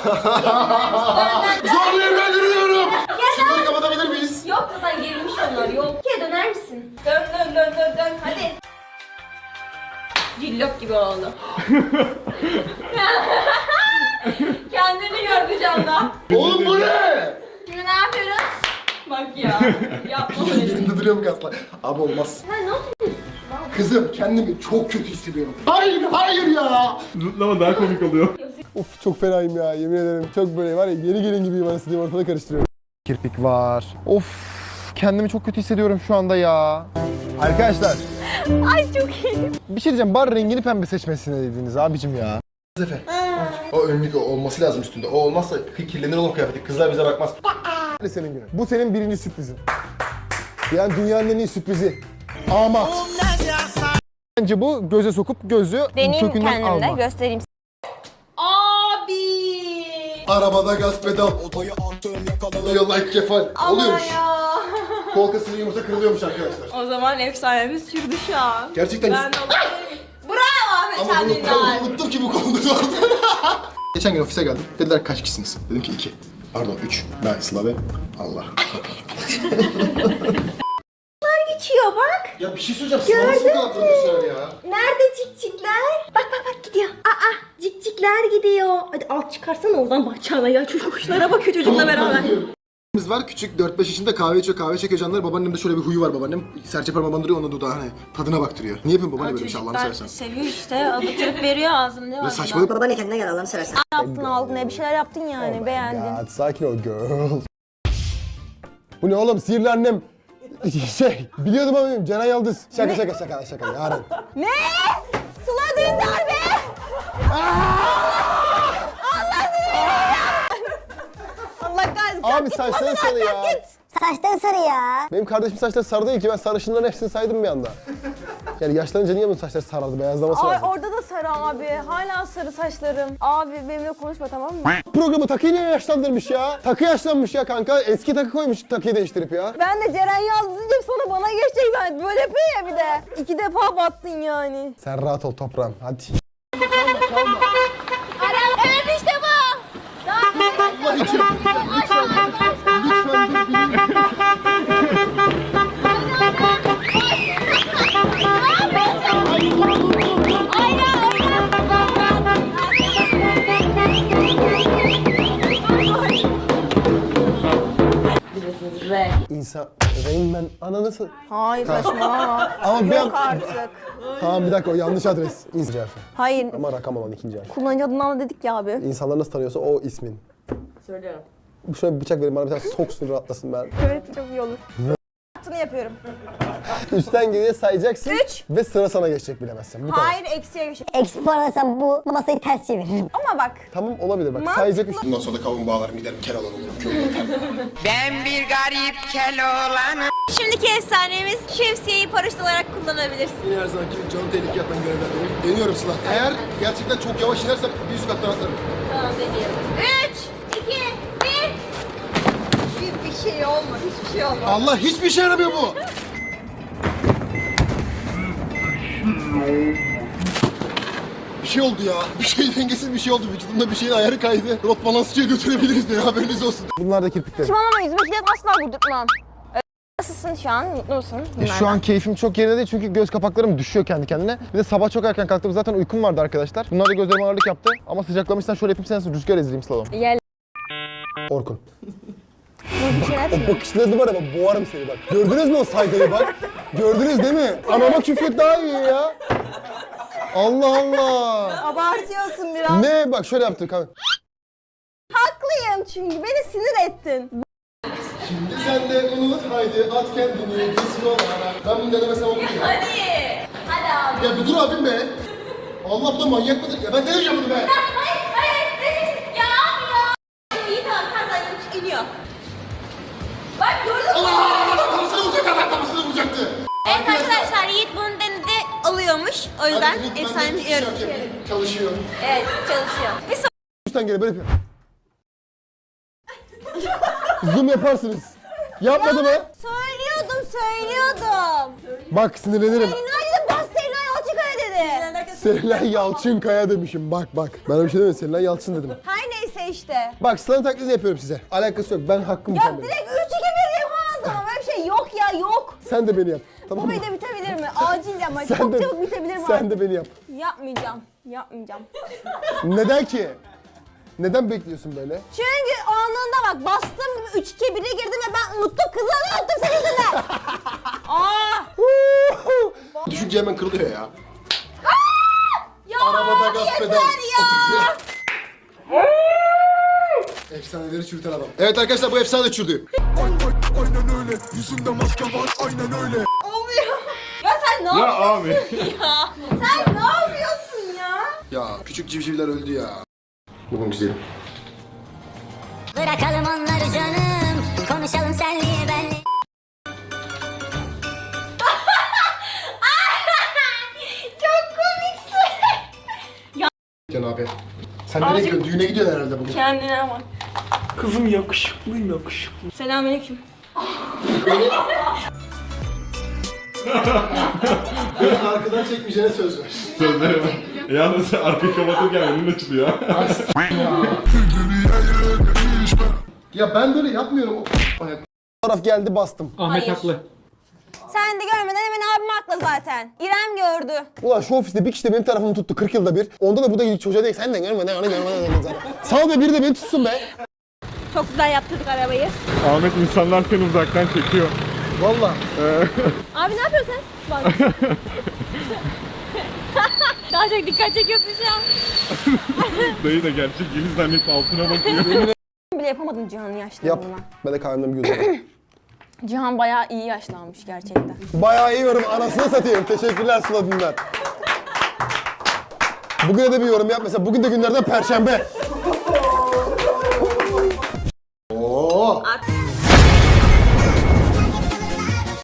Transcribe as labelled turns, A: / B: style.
A: Zorlayayım ben yürüyorum. Şunları kapatabilir miyiz?
B: Yok buradan gerilmiş onlar yok. İkiye döner misin? Dön hadi. Cillop gibi oldu. Kendini gördü camda.
A: Oğlum bu ne?
B: Şimdi ne yapıyoruz? Bak ya. Yapma öyle.
A: Yerinde duruyor mu kaslar? Abi olmaz.
B: Sen ne yapıyorsun?
A: Kızım kendimi çok kötü hissediyorum. Hayır ya.
C: Zıplama daha komik oluyor.
D: Of çok fenayım ya yemin ederim. Çok böyle var ya yeni gelin gibiyim anasını diyeyim, ortada karıştırıyorum. Kirpik var. Of kendimi çok kötü hissediyorum şu anda ya. Arkadaşlar.
B: Ay çok iyi.
D: Bir şey diyeceğim, bar rengini pembe seçmesine dediniz abicim ya.
A: Efe. O önlük olması lazım üstünde. O olmazsa kirlenir oğlum kıyafeti. Kızlar bize bakmaz.
D: Hadi senin günün. Bu senin birinci sürprizin. Yani dünyanın en iyi sürprizi. Ama bence bu göze sokup gözü
B: Deneyeyim
D: kökünden
B: kendimde
D: alma.
B: göstereyim. Abi.
A: Arabada gaz pedal. Otoyu attım yakalıyor like kefal. Oluyormuş.
B: Ya.
A: Kol kasını yumurta kırılıyormuş arkadaşlar.
B: O zaman efsanemiz sürdü şu an.
A: Gerçekten.
B: Ben de olabilirim. Bravo Ahmet
A: Ama
B: Hamdi'nden.
A: unuttum ki bu konuda vardı. Geçen gün ofise geldim. Dediler kaç kişisiniz? Dedim ki 2. Pardon 3. Ben Sıla ve Allah.
B: Geçiyor bak.
A: Ya bir şey söyleyeceğim. Sıla nasıl bu kadar profesyonel ya?
B: Nerede cikcikler? Bak gidiyor. Cikcikler gidiyor. Hadi alt çıkarsana oradan bakacağına ya. Çocuk kuşlara bakıyor çocukla beraber.
A: Biz var küçük 4-5 yaşında kahve çekiyor canlar. Babaannemde şöyle bir huyu var babaannem. Serçe parmağı bandırıyor onun dudağı hani tadına baktırıyor. Niye yapıyorsun babaanne böyle bir şey Allah'ını seversen?
B: Seviyor işte. Alıtırıp veriyor ağzım ne var?
A: Ne saçmalık.
E: Babaanne kendine gel Allah'ını seversen.
B: Yaptın aldın bir şeyler yaptın yani beğendin.
D: Ya sakin ol girl. Bu ne oğlum sihirli annem. Biliyordum ama Ceren Yıldız. Şaka yarın.
B: Ne? Sıla Dündar be! Allah kahretsin.
D: Abi saçları sarı ya.
E: Saçları sarı ya.
D: Benim kardeşim saçları sarı değil ki, ben sarışınların hepsini saydım bir anda. Yani yaşlanınca niye bunun saçları sarardı, beyazlaması
F: Ay
D: lazım.
F: orada da sarı abi. Hala sarı saçlarım. Abi benimle konuşma tamam mı?
D: Programı takıyı niye yaşlandırmış ya? Takı yaşlanmış ya kanka, eski takı koymuş takıyı değiştirip ya.
F: Ben de Ceren Yıldız diyeceğim sonra bana geçecek ben. Böyle yapıyor ya bir de. 2 defa battın yani.
D: Sen rahat ol toprağım, hadi.
B: Evet işte bu.
A: Allah için.
D: İnsan, Rain Man ananı
F: Hayır saçmalama.
D: Ama bir
F: Yok
D: an...
F: artık.
D: Tamam bir dakika, o yanlış adres. İnsan harfi.
F: Hayır.
D: Ama rakam olan ikinci harf.
F: Kullanıcı adından da dedik ya abi.
D: İnsanlar nasıl tanıyorsa o ismin.
F: Söylüyorum.
D: Şöyle bir bıçak verin bana, bir tane soksun rahatlasın ben.
F: Evet çok iyi olur. Yaptığını yapıyorum.
D: Üstten geriye sayacaksın.
F: 3.
D: Ve sıra sana geçecek bilemezsen. Bu kadar.
F: Hayır eksiye geçecek.
E: Eksi puan alsam bu masayı ters çeviririm.
F: Ama bak.
D: Tamam olabilir bak,
F: Mantıklı.
D: sayacak üç.
A: Bundan sonra da kavun bağlarım giderim kel alalım.
G: Ben bir garip kel olanım.
B: Şimdiki efsanemiz şemsiyeyi paraşüt olarak kullanabilirsin.
A: Her zamanki canı tehlikeye atan görevlerdeyim. Deniyorum Sıla. Eğer gerçekten çok yavaş inersem bir üst kattan atlarım.
B: Tamam deneyelim. 3, 2, 1.
F: Bir şey olmadı. Hiçbir şey olmadı.
A: Allah hiçbir şey yaramıyor bu. Bir şey oldu ya. Bir şey dengesiz bir şey oldu. Vücudumda bir şeyin ayarı kaydı. Rot balansçıya götürebiliriz diye haberiniz olsun.
D: Bunlar da kirpiklerim.
F: Saçmalama yüzüme kilit asla vurdurtmam. Nasılsın şu an? Mutlu musun?
D: Şu an keyfim çok yerinde değil çünkü göz kapaklarım düşüyor kendi kendine. Bir de sabah çok erken kalktım, zaten uykum vardı arkadaşlar. Bunlar da gözlerime ağırlık yaptı. Ama sıcaklamışsan şöyle yapayım, sen rüzgar ezdireyim slalom.
F: Gel.
D: Orkun.
F: Bir şeyler
D: O bakışlarınız var ama boğarım seni bak. Gördünüz mü o saygıyı bak? Gördünüz değil mi? Anama küfret daha iyi ya. Allah Allah.
F: abartıyorsun biraz.
D: Ne? Bak şöyle yaptı kanka.
F: Haklıyım çünkü beni sinir ettin.
A: Şimdi sen de unut haydi at kendini cisim olarak. Ben bunu denemesem olur ya.
B: Hadi. Hadi abi.
A: Ya bir dur abim be. Allah bu da manyak mıdır? Ya ben denemeyeceğim bunu be.
B: Hayır. Dedim. Ya abi ya. İyi tamam. Kazandım. İniyor. Bak gördün mü?
A: Allah! Kafasına vuracak adam kafasına vuracaktı.
B: Evet arkadaşlar Yiğit bunu denedi alıyormuş. O yüzden
A: Hadi,
B: efsanemiz
A: ben
B: yarım.
A: de yapayım. Çalışıyor.
B: Evet çalışıyor. Bir sonraki
D: Üstten geri böyle yapıyor. Zoom yaparsınız. Yapmadı mı?
F: Söylüyordum.
D: Bak sinirlenirim.
F: Günaydın ben Selena Yalçınkaya dedi.
D: Serenay Yalçınkaya demişim, bak bak. Ben öyle bir şey demedim, Serenay Yalçın dedim.
F: Her neyse neyse işte.
D: Bak sana taklidi yapıyorum size. Alakası yok. Ben hakkımı
F: Ya
D: sen benim.
F: direkt 3-2-1 yapamaz ama böyle bir şey yok ya yok.
D: Sen de beni yap. Tamam
F: Bu
D: mı?
F: video bitebilir mi? Acil ama
D: Sen
F: çok
D: de,
F: çabuk bitebilir mi?
D: sen de beni yap.
F: Yapmayacağım. Yapmayacağım.
D: Neden ki? Neden bekliyorsun böyle?
F: Çünkü anında bak bastım 3-2-1'e girdim ve ben unuttum. Kızları unuttum senin yüzünden. Aa!
A: Düşünce hemen kırılıyor ya.
F: Ya
A: Arabada gaz
F: yeter
A: pedal.
F: ya!
A: Efsaneleri çürüten adam. Evet arkadaşlar bu efsane de çürdü.
F: Olmuyor. Ya sen ne yapıyorsun ya? Sen ne yapıyorsun ya?
A: Ya küçük civcivler öldü ya. Bugün güzelim.
E: Bırakalım onları canım. Konuşalım senli benli.
B: Çok komiksin.
A: Can abi. Sen nereye gidiyorsun? Düğüne gidiyorsun herhalde bugün.
B: Kendine bak.
C: Kızım yakışıklıyım yakışıklı.
B: Selamünaleyküm.
A: Beni arkadan çekmeyeceğine söz ver.
H: Sözleri var. Yalnız arkayı kapatırken önün açılıyor.
A: Ya ben böyle yapmıyorum.
D: Taraf geldi bastım.
C: Ahmet haklı.
F: Sen de görmeden hemen abim haklı zaten. İrem gördü.
D: Ulan şu ofiste bir kişi de benim tarafımı tuttu 40 yılda bir. Onda da bu da gidip çocuğa değil sen de görmeden onu görmeden zaten. Sağ be biri de beni tutsun be.
F: Çok güzel yaptırdık arabayı.
H: Ahmet insanlar seni uzaktan çekiyor.
D: Valla.
F: Abi ne yapıyorsun sen? Bak. Daha çok dikkat çekiyorsun şu an.
H: Dayı da gerçek gibi zannedip altına bakıyor.
F: Bile yapamadım Cihan'ın
D: Yap.
F: yaşlandığına.
D: Ben de kahvemden bir yudum.
F: Cihan bayağı iyi yaşlanmış gerçekten.
D: Bayağı iyi yorum. Anasını satayım. Teşekkürler Sıla Dündar. Bugüne de bir yorum yap. Mesela bugün de günlerden Perşembe.